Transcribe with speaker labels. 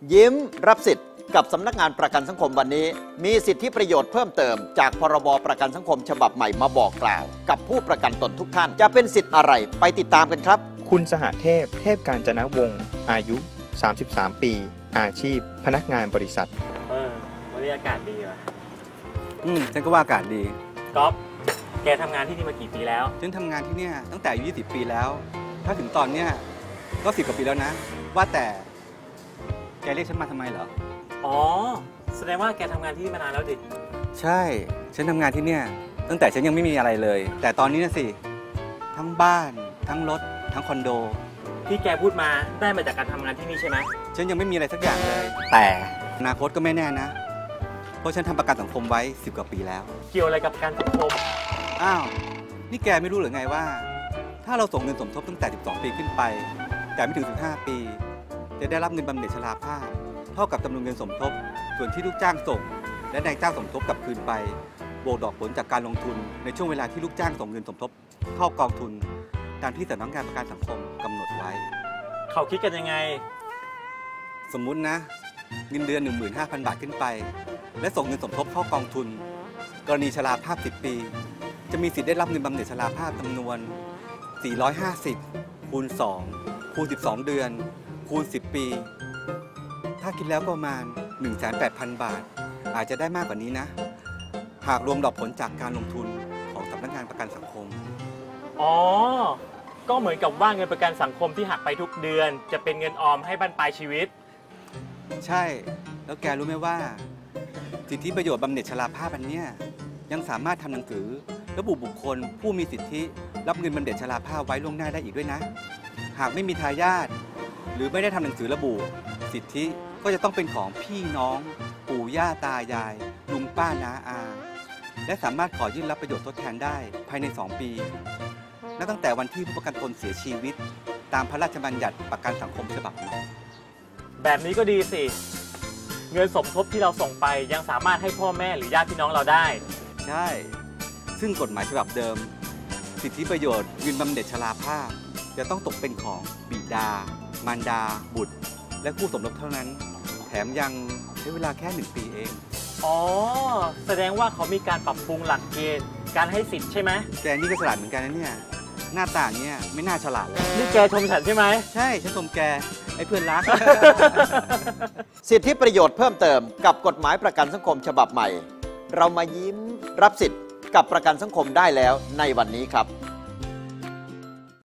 Speaker 1: ยิ้มรับสิทธิ์กับสำนักงานประกันสังคมวันนี้มีสิทธิประโยชน์เพิ่มเติมจากพรบประกันสังคมฉบับใหม่มาบอกกล่าวกับผู้ประกันตนทุกท่านจะเป็นสิทธิ์อะไรไปติดตามกันครับ
Speaker 2: คุณสหเทพเทพกาญจนวงศ์อายุ33ปีอาชีพพนักงานบริษัท
Speaker 3: วันนี้อากาศดีว่ะ
Speaker 4: ฉันก็ว่าอากาศดี
Speaker 3: ก๊อฟแกทำงานที่นี่มากี่ปีแล้ว
Speaker 4: ฉันทำงานที่นี่ตั้งแต่อายุ20 ปีแล้วถ้าถึงตอนเนี้ยก็10 กว่าปีแล้วนะว่าแต่แกเรียกฉันมาทำไมเหรอ
Speaker 3: อ๋อแสดงว่าแกทำงานที่นี่มานานแล้วดิ
Speaker 4: ใช่ฉันทำงานที่นี่ตั้งแต่ฉันยังไม่มีอะไรเลยแต่ตอนนี้นะสิทั้งบ้านทั้งรถทั้งคอนโด
Speaker 3: ที่แกพูดมาได้มาจากการทำงานที่นี่ใช่ไหม
Speaker 4: ฉันยังไม่มีอะไรสักอย่างเลยแต่อนาคตก็ไม่แน่นะเพราะฉันทำประกันสังคมไว้10 กว่าปีแล้ว
Speaker 3: เกี่ยวอะไรกับประกันสังคม
Speaker 4: อ้าวนี่แกไม่รู้หรือไงว่าถ้าเราส่งเงินสมทบตั้งแต่12 ปีขึ้นไปแต่ไม่ถึง15 ปีจะได้รับเงินบำเหน็จชราภาพเท่ากับจำนวนเงินสมทบส่วนที่ลูกจ้างส่งและนายจ้างสมทบกลับคืนไปบวกดอกผลจากการลงทุนในช่วงเวลาที่ลูกจ้างส่งเงินสมทบเข้ากองทุนตามที่สำนักงานประกันสังคมกำหนดไว้
Speaker 3: เขาคิดกันยังไง
Speaker 4: สมมุตินะเงินเดือน 15,000 บาทขึ้นไปและส่งเงินสมทบเข้ากองทุนกรณีชราภาพ10 ปีจะมีสิทธิ์ได้รับเงินบำเหน็จชราภาพจำนวน450คูณ2คูณ12 เดือนคูณ10 ปีถ้าคิดแล้วประมาณ 180,000 บาทอาจจะได้มากกว่านี้นะหากรวมดอกผลจากการลงทุนของสำนักงานประกันสังคม
Speaker 3: อ๋อก็เหมือนกับว่าเงินประกันสังคมที่หักไปทุกเดือนจะเป็นเงินออมให้บั้นปลายชีวิต
Speaker 4: ใช่แล้วแกรู้ไหมว่าสิทธิประโยชน์บำเหน็จชราภาพอันเนี้ยยังสามารถทำหนังสือระบุบุคคลผู้มีสิทธิรับเงินบำเหน็จชราภาพไว้ล่วงหน้าได้อีกด้วยนะหากไม่มีทายาทหรือไม่ได้ทำหนังสือระบุสิทธิก็จะต้องเป็นของพี่น้องปู่ย่าตายายลุงป้าน้าอาและสามารถขอยื่นรับประโยชน์ทดแทนได้ภายใน2 ปีนับตั้งแต่วันที่ผู้ประกันตนเสียชีวิตตามพระราชบัญญัติประกันสังคมฉบับนี้
Speaker 3: แบบนี้ก็ดีสิเงินสมทบที่เราส่งไปยังสามารถให้พ่อแม่หรือญาติพี่น้องเราได้
Speaker 4: ใช่ซึ่งกฎหมายฉบับเดิมสิทธิประโยชน์เงินบำเหน็จชราภาพจะต้องตกเป็นของบิดามารดาบุตรและคู่สมรสเท่านั้นแถมยังใช้เวลาแค่1 ปีเอง
Speaker 3: อ๋อแสดงว่าเขามีการปรับปรุงหลักเกณฑ์การให้สิทธิ์ใช่ไหม
Speaker 4: แกนี่ก็ฉลาดเหมือนกันนะเนี่ยหน้าตาเนี่ยไม่น่าฉลาดเลย
Speaker 3: นี่แกชมฉันใช่ไหม
Speaker 4: ใช่ฉันชมแกไอ้เพื่อนรัก
Speaker 1: สิทธิประโยชน์เพิ่มเติมกับกฎหมายประกันสังคมฉบับใหม่เรามายิ้มรับสิทธิ์กับประกันสังคมได้แล้วในวันนี้ครับ